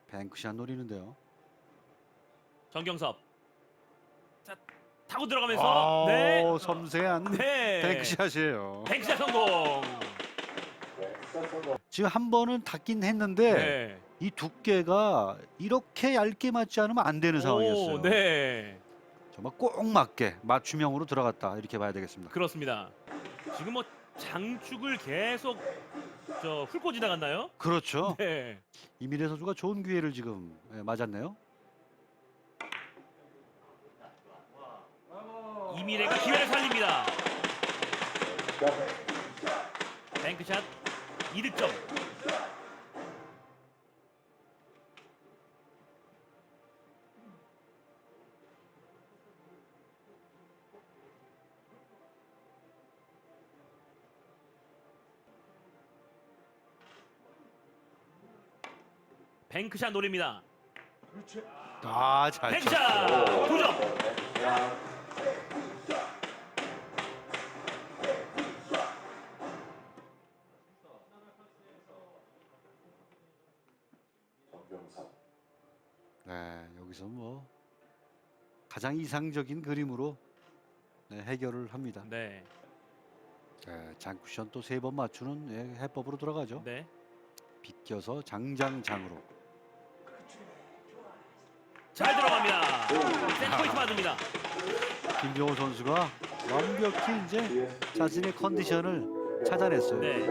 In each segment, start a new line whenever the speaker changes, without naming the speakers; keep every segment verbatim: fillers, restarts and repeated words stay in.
뱅크샷 노리는데요.
정경섭. 자, 타고 들어가면서
아,
네.
섬세한
네.
뱅크샷이에요.
뱅크샷 성공.
지금 한 번은 닿긴 했는데
네.
이 두께가 이렇게 얇게 맞지 않으면 안 되는 상황이었어요.
오, 네.
정말 꼭 맞게 맞춤형으로 들어갔다 이렇게 봐야 되겠습니다.
그렇습니다. 지금 뭐 장축을 계속 저 훑고 지나갔나요?
그렇죠.
네.
이민혜 선수가 좋은 기회를 지금 예, 맞았네요.
이미래가 기회를 살립니다. 뱅크샷 이 득점. 뱅크샷 노립니다.
아, 잘
뱅크샷
쳤어요.
두 점.
네, 여기서 뭐 가장 이상적인 그림으로 네, 해결을 합니다.
네.
네, 장쿠션 또 세 번 맞추는 예, 해법으로 들어가죠.
네.
비껴서 장장장으로.
잘 들어갑니다. 센터포인트 맞습니다.
김정호 선수가 완벽히 이제 자신의 컨디션을 찾아냈어요.
네.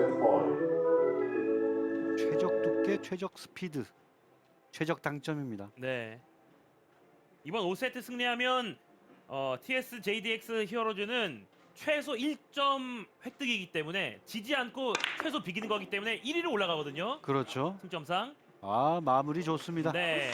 최적 두께, 최적 스피드, 최적 당점입니다.
네. 이번 오 세트 승리하면 어, 티에스 제이디엑스 히어로즈는 최소 일 점 획득이기 때문에 지지 않고 최소 비기는 거기 때문에 일 위로 올라가거든요.
그렇죠.
승점상.
아, 마무리 좋습니다.
네.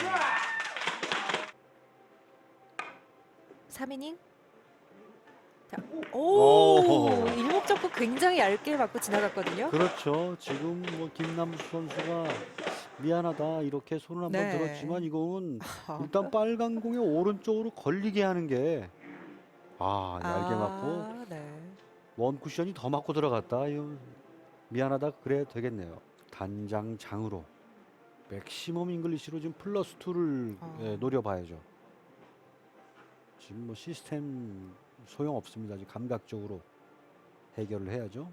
삼 이닝. 자, 오,
오.
일목적구 굉장히 얇게 맞고 지나갔거든요.
그렇죠. 지금 뭐 김남수 선수가 미안하다 이렇게 손을 한번
네.
들었지만 이건
아,
일단 빨간 공의 오른쪽으로 걸리게 하는 게 아, 얇게 맞고
아, 네.
원 쿠션이 더 맞고 들어갔다. 이거 미안하다 그래 되겠네요. 단장 장으로 맥시멈 잉글리시로 지금 플러스 투를
어.
예, 노려봐야죠. 지금 뭐 시스템 소용 없습니다. 지금 감각적으로 해결을 해야죠.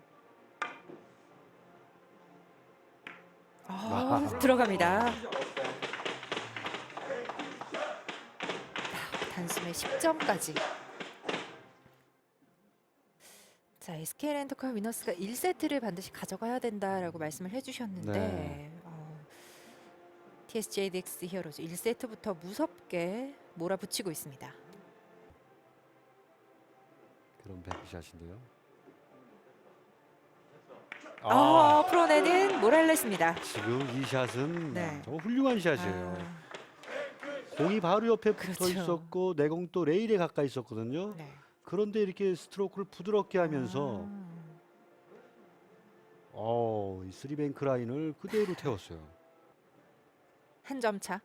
아, 들어갑니다. 아, 단숨에 십 점까지. 자, 에스케이 렌터카 위너스가 일 세트를 반드시 가져가야 된다라고 말씀을 해주셨는데
네.
어, 티에스제이디엑스 히어로즈 일 세트부터 무섭게 몰아붙이고 있습니다.
그런 뱅크샷인데요.
아, 풀어내는 모랄레스입니다.
지금 이 샷은
네.
정말 훌륭한 샷이에요.
아,
공이 바로 옆에 붙어
그렇죠.
있었고 내공 또 레일에 가까이 있었거든요.
네.
그런데 이렇게 스트로크를 부드럽게 하면서
아,
어, 이 쓰리뱅크 라인을 그대로 태웠어요.
한 점 차.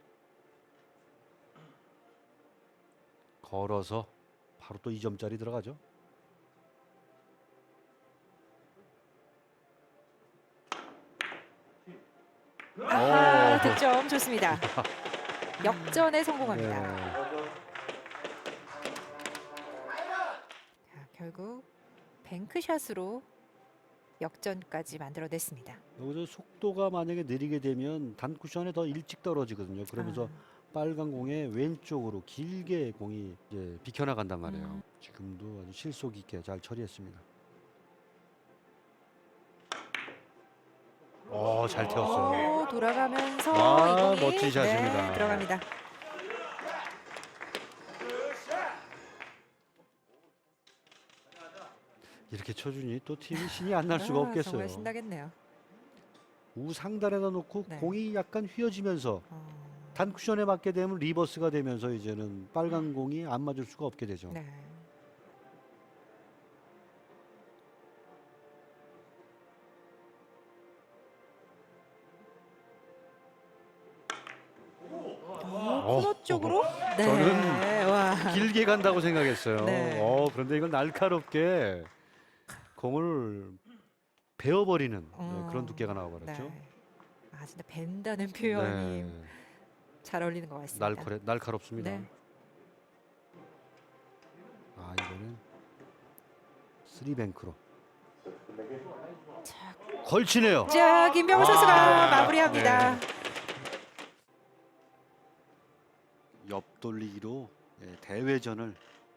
걸어서 바로 또 이 점짜리 들어가죠.
아하,
오.
득점 좋습니다. 역전에 성공합니다.
네.
자, 결국 뱅크샷으로 역전까지 만들어냈습니다.
여기서 속도가 만약에 느리게 되면 단쿠션에 더 일찍 떨어지거든요. 그러면서
아,
빨간 공에 왼쪽으로 길게 공이 이제 비켜나간단 말이에요.
음.
지금도 아주 실속 있게 잘 처리했습니다. 어, 잘 태웠어요.
오, 돌아가면서
와,
이 공이
멋진 샷입니다.
네, 들어갑니다.
이렇게 쳐주니 또 팀이 신이 안 날 수가
아,
없겠어요.
정말 신나겠네요.
우상단에다 놓고
네.
공이 약간 휘어지면서
어,
단쿠션에 맞게 되면 리버스가 되면서 이제는 빨간 공이 안 맞을 수가 없게 되죠.
네. 어, 코너 쪽으로? 네.
저는
와.
길게 간다고 생각했어요.
네.
어, 그런데 이걸 날카롭게 공을 베어버리는 네,
어,
그런 두께가 나와버렸죠.
네. 아, 진짜 벤다는 표현이
네.
잘 어울리는 것 같습니다.
날카롭, 날카롭습니다.
네.
아 이거는 쓰리뱅크로
자,
걸치네요.
자 김병호 선수가
아,
마무리합니다.
네.
옆돌리기로 예, 대회전을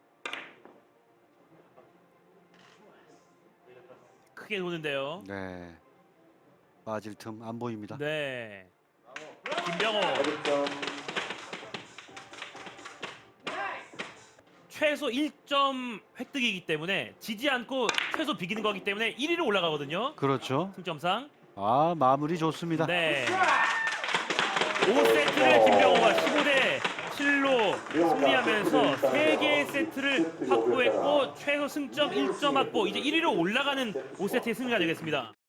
크게 도는데요.
네 빠질 틈 안 보입니다.
네. 김병호 최소 일 점 획득이기 때문에 지지 않고 최소 비기는 거기 때문에 일 위로 올라가거든요.
그렇죠.
승점상.
아 마무리 좋습니다.
네. 오 세트를 김병호가 십오 대 칠로 승리하면서 세 개의 세트를 확보했고 최소 승점 일 점 확보. 이제 일 위로 올라가는 오 세트의 승리가 되겠습니다.